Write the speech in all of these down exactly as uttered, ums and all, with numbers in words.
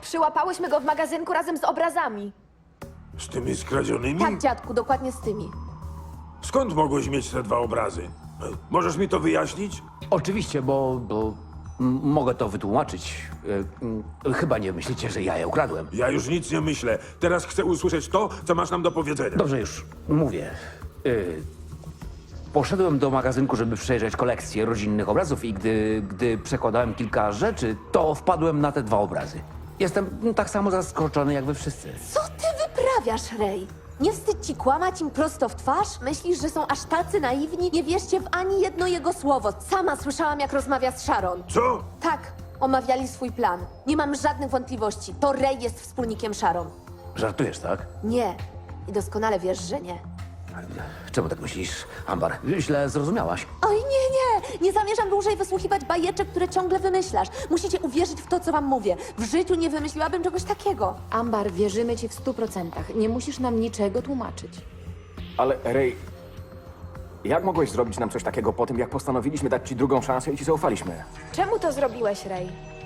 przyłapałyśmy go w magazynku razem z obrazami. Z tymi skradzionymi? Tak, dziadku, dokładnie z tymi. Skąd mogłeś mieć te dwa obrazy? E, Możesz mi to wyjaśnić? Oczywiście, bo, bo m- mogę to wytłumaczyć. E, m, chyba nie myślicie, że ja je ukradłem. Ja już nic nie myślę. Teraz chcę usłyszeć to, co masz nam do powiedzenia. Dobrze, już mówię. Y, poszedłem do magazynku, żeby przejrzeć kolekcję rodzinnych obrazów i gdy, gdy przekładałem kilka rzeczy, to wpadłem na te dwa obrazy. Jestem mm, tak samo zaskoczony jak wy wszyscy. Co ty wyprawiasz, Ray? Nie wstyd ci kłamać im prosto w twarz? Myślisz, że są aż tacy naiwni? Nie wierzcie w ani jedno jego słowo. Sama słyszałam, jak rozmawia z Sharon. Co? Tak, omawiali swój plan. Nie mam żadnych wątpliwości. To Ray jest wspólnikiem Sharon. Żartujesz, tak? Nie. I doskonale wiesz, że nie. Czemu tak myślisz, Ambar? Źle zrozumiałaś. Oj, nie, nie! Nie zamierzam dłużej wysłuchiwać bajeczek, które ciągle wymyślasz. Musicie uwierzyć w to, co wam mówię. W życiu nie wymyśliłabym czegoś takiego. Ambar, wierzymy ci w stu procentach. Nie musisz nam niczego tłumaczyć. Ale Ray, jak mogłeś zrobić nam coś takiego po tym, jak postanowiliśmy dać ci drugą szansę i ci zaufaliśmy? Czemu to zrobiłeś, Ray?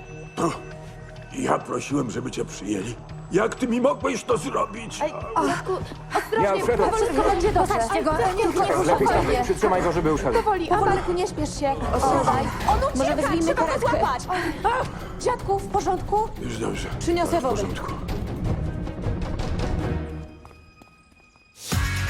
Ja prosiłem, żeby cię przyjęli. Jak ty mi mogłeś to zrobić? Ja wszedłem. Wszystko będzie dobrze. Zostawcie go, Nie, nie, nie, Lepiej tam, spokojnie. przytrzymaj go, żeby uszedł. Powoli, Amarku, nie śpiesz się. Ostrzymaj. On ucieka, Może wezwijmy trzeba go karetkę. złapać. Dziadku, w porządku? Już dobrze. Przyniosę W wodę. porządku.